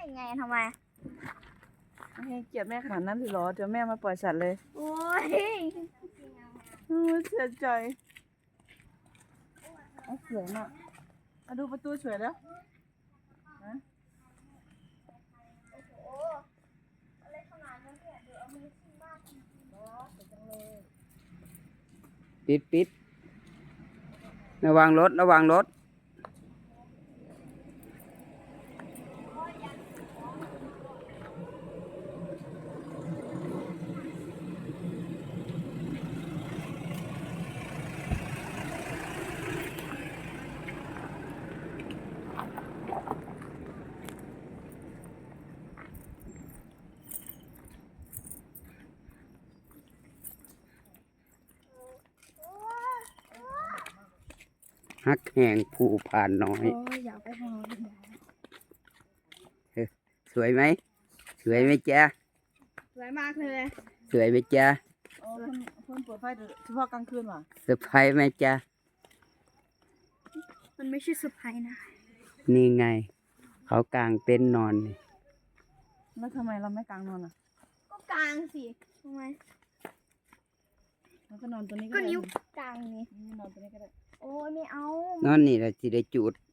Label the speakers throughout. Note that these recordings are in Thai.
Speaker 1: ไงทำไม
Speaker 2: ให้เกลียดแม่ขนาดนั้นเลยเหรอเดี๋ยวแม่มาปล่อยสัตว์เลย
Speaker 1: โอ้ย
Speaker 2: เสียใจสวยมากมาดูประตูสวยแล้วนะ
Speaker 1: โอ้อะไรขนาดนั้นเนี่ยเดี๋ยวเอามือขึ้นบ้านเนาะสวยจังเลย
Speaker 3: ปิดระวังรถฮักแห่งผู้ผ่านน้อย
Speaker 1: โอ้ยอยากไปหา
Speaker 3: สวยไหมจ๊ะ
Speaker 1: สวยมากเลย
Speaker 3: สวยไหมจ๊ะ
Speaker 2: เพิ่นเปิดไฟเฉพาะกลางคืนว่ะ
Speaker 3: เซอร์ไพรส์ไหมจ๊ะ
Speaker 1: มันไม่ใช่เซอร์ไพรส์นะ
Speaker 3: นี่ไง เขากางเต็นท์นอนนี่
Speaker 2: แล้วทำไมเราไม่กลางนอนอ่ะ
Speaker 1: ก็กลางสิทำไม
Speaker 2: เราก็นอนตัวนี้
Speaker 1: ก็นิ้วกลางนี่
Speaker 2: นอนตัวนี้ก็ได้
Speaker 1: โอ้ยไม่เอา
Speaker 3: นอนนี่แหละที่ได้จุด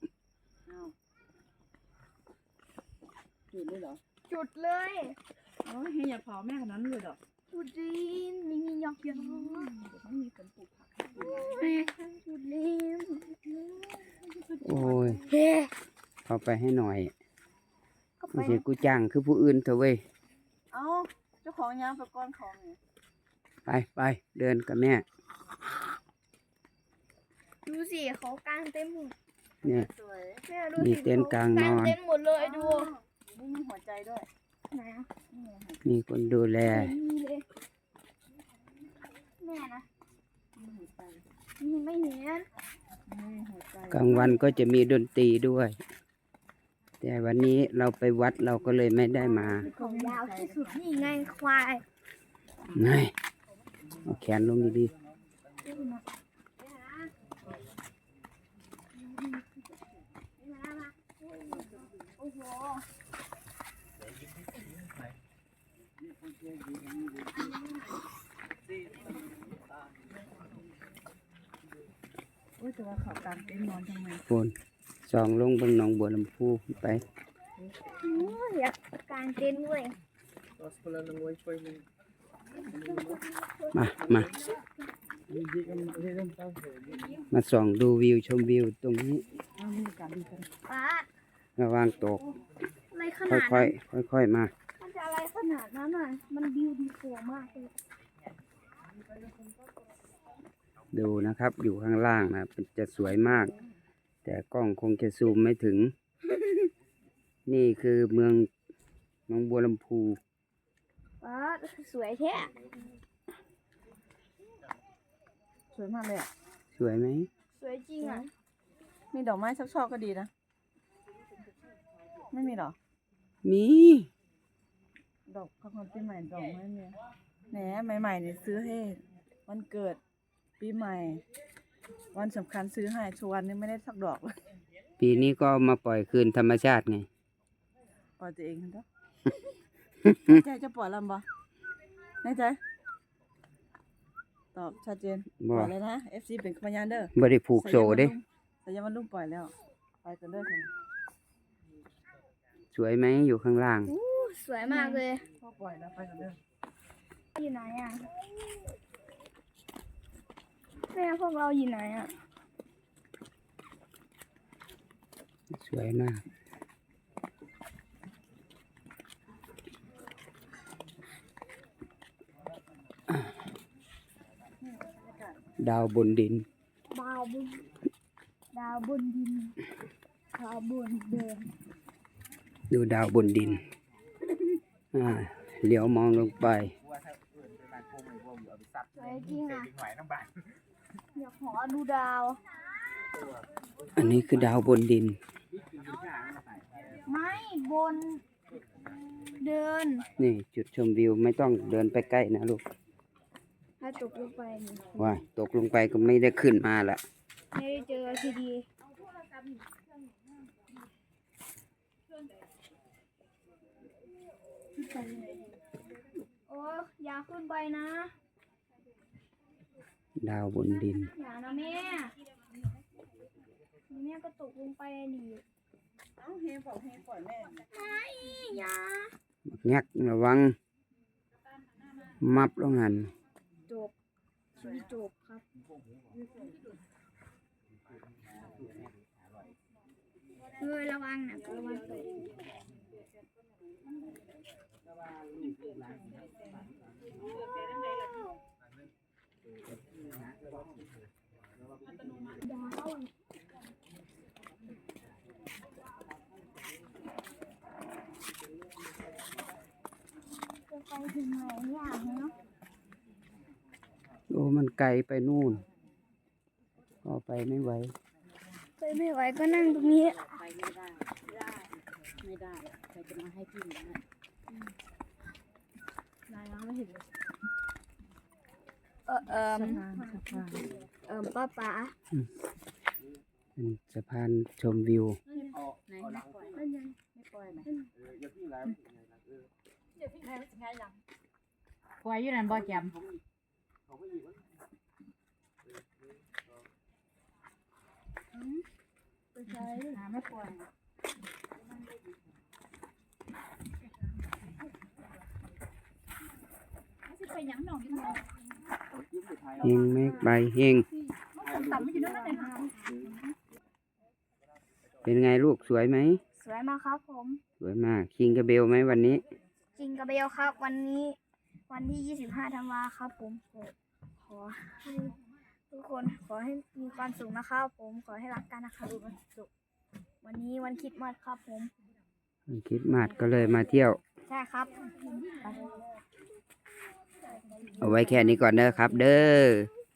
Speaker 2: จุดเลยเหรอ
Speaker 1: จุดเลย
Speaker 2: โอ้ยอย่าเผาแม่ขนาดนั้นเลยเหรอ
Speaker 1: จุดดินมีหยอกเดี๋ยว
Speaker 2: ต้องมีคนปลูกผัก
Speaker 1: แม่จุดดิน
Speaker 3: โอ้ย
Speaker 1: เฮ้
Speaker 3: เข้าไปให้หน่อยไม่ใช่กูจ้างคือผู้อื่นเถอะเว้ย
Speaker 2: เอาเจ้าของย้ำไปก้อนของเนี่ย
Speaker 3: ไปเดินกับแม่
Speaker 1: ดูสิเขากางเต็มหมด
Speaker 3: เนี่ย
Speaker 1: แม่ดู
Speaker 3: มี
Speaker 1: สิ
Speaker 3: เต็นท์กลางนอน
Speaker 1: เต็มหมดเลยดู
Speaker 2: นี่มีหัวใจด้วย
Speaker 1: ไหนอ่ะ
Speaker 3: มีคนดูแล
Speaker 1: มีเลยแม่นะไม่เห็น
Speaker 3: กลางวันก็จะมีดนตรีด้วย แต่วันนี้เราไปวัดเราก็เลยไม่ได้มา
Speaker 1: ของยาวที่สุดนี่ไงควาย
Speaker 3: ไงเอาแขนลงดี
Speaker 1: โอ้โห
Speaker 2: โอ้ยแต่ว่าเขากางเต็นท์นอนทำไม
Speaker 3: ๆคนส่องลงบนหนองบัวลำพูไป
Speaker 1: อยากกางเต็นท์ด้วย
Speaker 3: มาส่องดูวิวชมวิวตรงนี้
Speaker 1: ป้า
Speaker 3: ระวังตก
Speaker 1: อะไรขนาดนั้น
Speaker 3: ค่อยมา
Speaker 1: มันจะอะไรขนาดนั้นอ่ะมันวิวดีสวยมากเลย
Speaker 3: ดูนะครับอยู่ข้างล่างนะจะสวยมากแต่กล้องคงจะซูมไม่ถึง นี่คือเมืองหนองบัวลำพู
Speaker 1: ป้าสวยแท้
Speaker 2: สวยมากเลยอ่ะ
Speaker 3: สวยไหม
Speaker 1: สวยจริงอ่ะ
Speaker 2: มีดอกไม้สักช่อก็ดีนะไม่มีหรอ
Speaker 3: มี
Speaker 2: ดอกของปีใหม่ดอกไม้เนี่ยแหนใหม่ๆเนี่ยซื้อให้วันเกิดปีใหม่วันสำคัญซื้อให้ชวนนี่ไม่ได้สักดอกเลย
Speaker 3: ปีนี้ก็มาปล่อยคืนธรรมชาติไง
Speaker 2: ปล่อยตัวเองครับใจจะปล่อยลำบ่แน่ใจตอบชัดเจนปล่อยเลยนะ FC เป็นพยานเด้อ
Speaker 3: บ่ได้ผูกโซ่เด้
Speaker 2: แต่ยังมันลุ่มปล่อยแล้วไปกันเด้อค่ะ
Speaker 3: สวยไหมอยู่ข้างล่าง
Speaker 1: สวยมากเลย
Speaker 2: พอปล่อยแล้วไปกันเด้อ
Speaker 1: อยู่ไหนอ่ะแม่พวกเราอยู่ไหนอ่ะ
Speaker 3: สวยมากดาวบนดิน
Speaker 1: ดาวบนดินดาวบนเดิน
Speaker 3: ดูดาวบนดินเหลียวมองลงไป
Speaker 1: สวยจริงอ่ะอยากขอดูดาว
Speaker 3: อันนี้คือดาวบนดิน
Speaker 1: ไม่บนเดิน
Speaker 3: นี่จุดชมวิวไม่ต้องเดินไปใกล้นะลูก
Speaker 1: ถ้าตกลงไป
Speaker 3: ว่าตกลงไปก็ไม่ได้ขึ้นมาละ
Speaker 1: ไม่ได้เจอทีดีโอ้อย่าขึ้นไปนะ
Speaker 3: ดาวบนดิน
Speaker 1: อย่านะแม่แม่ก็ตกลงไปดิ
Speaker 2: เอ้าเฮบอกเฮปล่อยแม่
Speaker 1: ไม่อย่า
Speaker 3: งักระวัง มับลงหัน
Speaker 1: จบชีวิตจบครับระวังนะระวังตกจะไปถึงไหนเนี่ยเนาะ
Speaker 3: โอ้มันไกลไปนู่นก็ไปไม่ไหว
Speaker 1: ไปไม่ไหวก็นั่งตรงนี้
Speaker 4: ไปไม่ได้ ไม่ได้ใครจะมาให้พี่นะ
Speaker 2: นายยังไม่เห็นเลย
Speaker 1: สะพานป้าป๋า
Speaker 3: เป็นสะพานชมวิว
Speaker 4: ไหนไม่ปล่อยไม่ปล่อยไหมปล่อยอยู่นั่นบ่แจมหาไม่ปล่อย
Speaker 3: เฮงเมฆใบเฮงเป็นไงลูกสวยไหม
Speaker 1: สวยมากครับผม
Speaker 3: สวยมากคิงกระเบลไหมวันนี้
Speaker 1: จริงกับเบลครับ วันนี้วันที่25 ธันวาครับผมขอให้ทุกคนขอให้มีความสุขนะครับผมขอให้รักกันนะครับวันนี้วันคริสต์มาสครับผม
Speaker 3: คริสต์มาสก็เลยมาเที่ยว
Speaker 1: ใช่ครับ
Speaker 3: เอาไว้แค่นี้ก่อนเด้อครับ เด้อ